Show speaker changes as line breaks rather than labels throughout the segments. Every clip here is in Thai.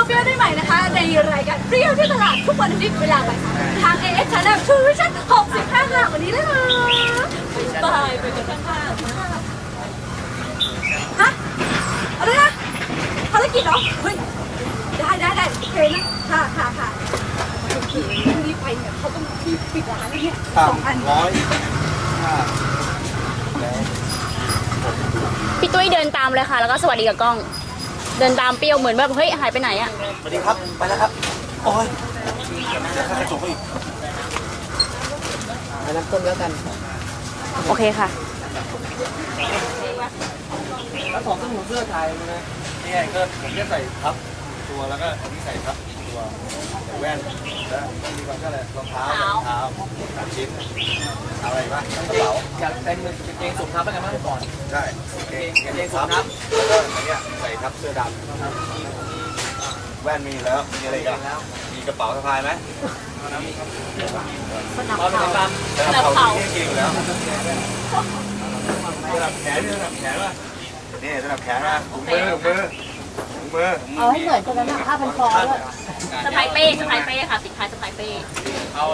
เปรี้ยวได้ใหม่นะคะในรายการเปรี้ยวที่ตลาดทุกวันอาทิตย์เวลาบ่ายสามทาง AS Channel ทูวิชั่น65ค่ะวันนี้นะคะบายไปกันนะคะฮะอะไรนะภารกิจเหรอเฮ้ยได้โอเคนะค่ะโอเครีบไปเนี่ยเขาต้องปิดร้านเนี่ย
พี่ตุ้ยเดินตามเลยค่ะแล้วก็สวัสดีกับกล้องเดินตามเปรี้ยวเหมือนแบบเฮ้ยหายไปไหนอะ
สวัสดีครับไปแล้วครับโอ้ยจะกระจกอีกไปน้ำต้มแล้วกัน
โอเคค่ะ
แล้วของเครื่องมือเสื้อไทยนะนี่ไงก็ผมจะใส่ทับตัวแล้วก็อันนี้ใส่ทับตัวแว่นแล้วมีความก็อะไรรองเท้3 ชิ้นอะไรบ้างกระเป๋าอยากเป็นกางเกงสูงทับเป็นไงบ้างก่อนใช่กางเกงสูงทับแล้วก็อันนี้ใส่ทับเสื้อดำแว่นมีแล้วมีอะไรกันมีกระเป๋าสะพายไหม
สนับเข่า
ที่กินแล้วสนับแขนนี่สนับแขนป่ะนี่สนับแขนนะถุงมือ
เอาให้เหมือนกันนะผ้าพันคอด้วย
สไปเป้ค่ะสินค้าสไปเป้
เอา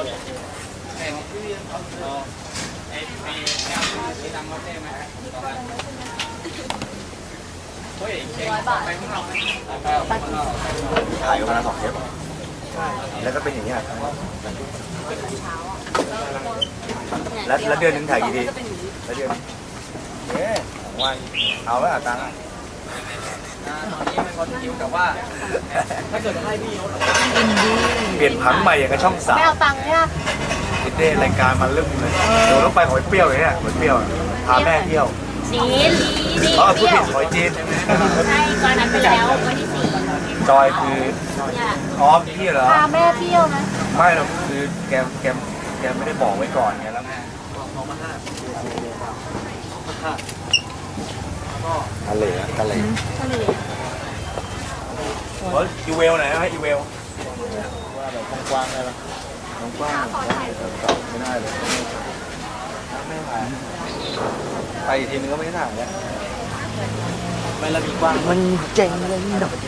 100 บาท
ถ่ายกันมา2 เทปแล้วก็เป็นอย่างนี้แล้วเดือนนึงถ่ายกี่ทีแล้วเดือนวันเอาไว้ตังค์ตอนนี้มันคนคิวแต่ว่าถ้าเกิดให้พี่เขาเปลี่ยนผังใหม่อย่างกับช่อง3
ไม่เอาตังค์เนี่ย
ติดเด้รายการมาเริ่มเลยเดี๋ยวต้องไปหอยเปรี้ยวเลยเนี่ยหอยเปรี้ยวพาแม่เที่ยว
จีน
พูดผิดหอยจีน
ใช่ก่อนนั้นไปแล้ววันที่4
จอยคือออฟพี่เหรอ
พาแม่เที่ยวนะ
ไม่หรอกคือแกไม่ได้บอกไว้ก่อนไงแล้วทะเลอีเวลไหนฮะอีเวลว่าแบบกว้างๆได้ปะกว้างไม่ได้เลยไม่ถ่ายไปอีกทีนึงก็ไม่ถ่ายแล้วไม่ละมีกว้างมันเจ๋งเลยหน่อย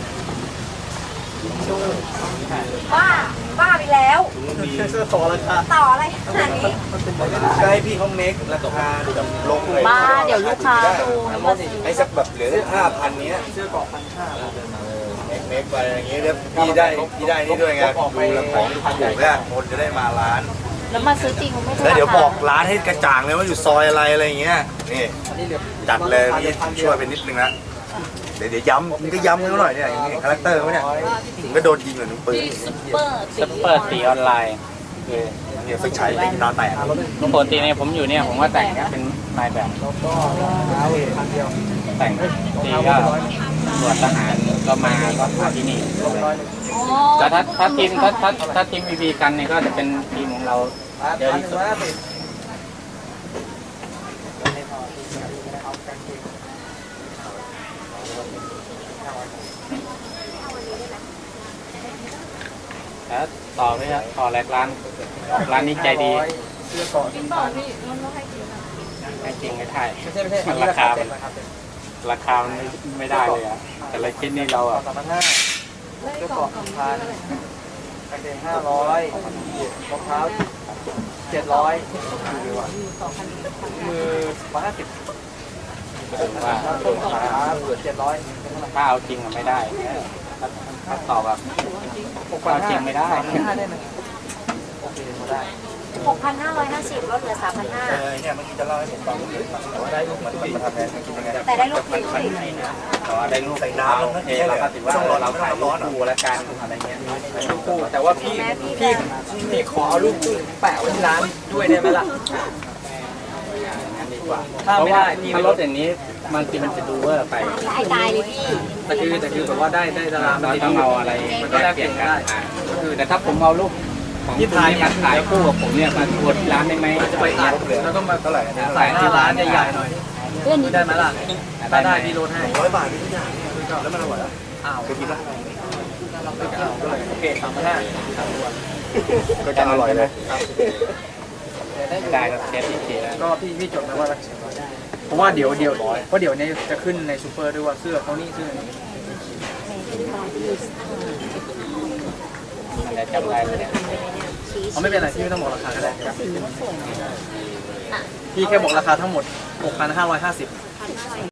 บ้าไปแล้ว
ต่อราคา
ต่ออะไรขนาดนี้
ก็ให้พี่เขาเมคราคาแบบลงเลย
บ้าเดี๋ยวลูกค้าดู
ไอ้สักแบบเหลือ5,000เนี้ยเสื้อเกาะ1,500เมคไปอย่างเงี้ยแล้วพี่ได้นี่ด้วยไงดูแล้วของถูกเนี่ยคนจะได้มาร้าน
แล้วมาซื้อจริงมันไม่ใช่
แล้วเดี๋ยวบอกร้านให้กระจ่างเลยว่าอยู่ซอยอะไรอย่างเงี้ยนี่จัดเลยพี่ช่วยไปนิดนึงนะเดี๋ยวย้ำมึงก็ย้ำเขาหน่อยเนี่ยอย่างนี้คาแรคเตอร์เขาเนี่ยถึงก็โดนยิงเหมือนปืน
ซุปเปอร์ตีออนไลน์
เนี่ยไฟฉายเป็นนอนแตก
ปกติเนี่ยผมอยู่เนี่ยผมก็แต่งเป็นนายแบบแต่งตีก็ตรวจทหารก็มาที่นี่แต่ถ้าทีมบีกันเนี่ยก็จะเป็นทีมของเราเยอะที่สุดแล้วต่อไหมครับต่อแรกร้านนี้ใจดีให้จริงให้ถ่ายราคามันไม่ได้เลยอ่ะแต่ละชิ้นนี่เราอ่ะ
เสื้อเกาะ1,000กางเกง500รองเท้า700มือ150
ว่า
700
ถ้าเอาจริงอ่ะไม่ได้ถ้าต่อแบบเอาจริงไม่ได้
โอเคได้
6,550 ลดเหลือ 3,500
เนี่ยเมื่อกี้จะเล่าให้ผมฟังได้ลูกเหมือนมันทำแทนกินยังไง
แต่ได้ลูก
มันได้ลูกใส่น้ำแล้วเราก็ถือว่าเราขายลูกคู่และการอะไรเงี้ย
ลูกคู่แต่ว่าพี่ขอลูกคู่แปะไว้ที่ร้านด้วยได้ไหมล่ะ
ถ้าไม่ได้ถ้ารถอย่างนี้บางทีมันจะดูว่าไป
ตายเลยพี่
แต่คือแบบว่าได้ดารา
เราต้องเอาอะไรมันก็แลกเปลี่ยนกันคือแต่ถ้าผมเอาลูกของที่ถ่ายคู่กับผมเนี่ยมาตรวจร้านได้ไหม
จะไปตัดแล้วก็มาเท่าไหร่ใส่หน้าร้านใหญ่ๆหน่อยได้ไหมล่ะถ้าได้พี่ลดให้100 บาททุกอย่างแล้วมันอร่อยอ้าวเคยกินป่ะโอเค3,500ก็จะอร่อยเลย
ได้เชฟที่แล้ว
ก็พี่จดนะว่าเพราะว่าเดี๋ยวนี้จะขึ้นในซูเปอร์ด้วยว่าเสื้อเขานี่เสื้อนี้
แต่จำได้ไม่ได้
เขาไม่เป็นไรพี่ไม่ต้องบอกราคาก็ได้พี่แค่บอกราคาทั้งหมด 6,550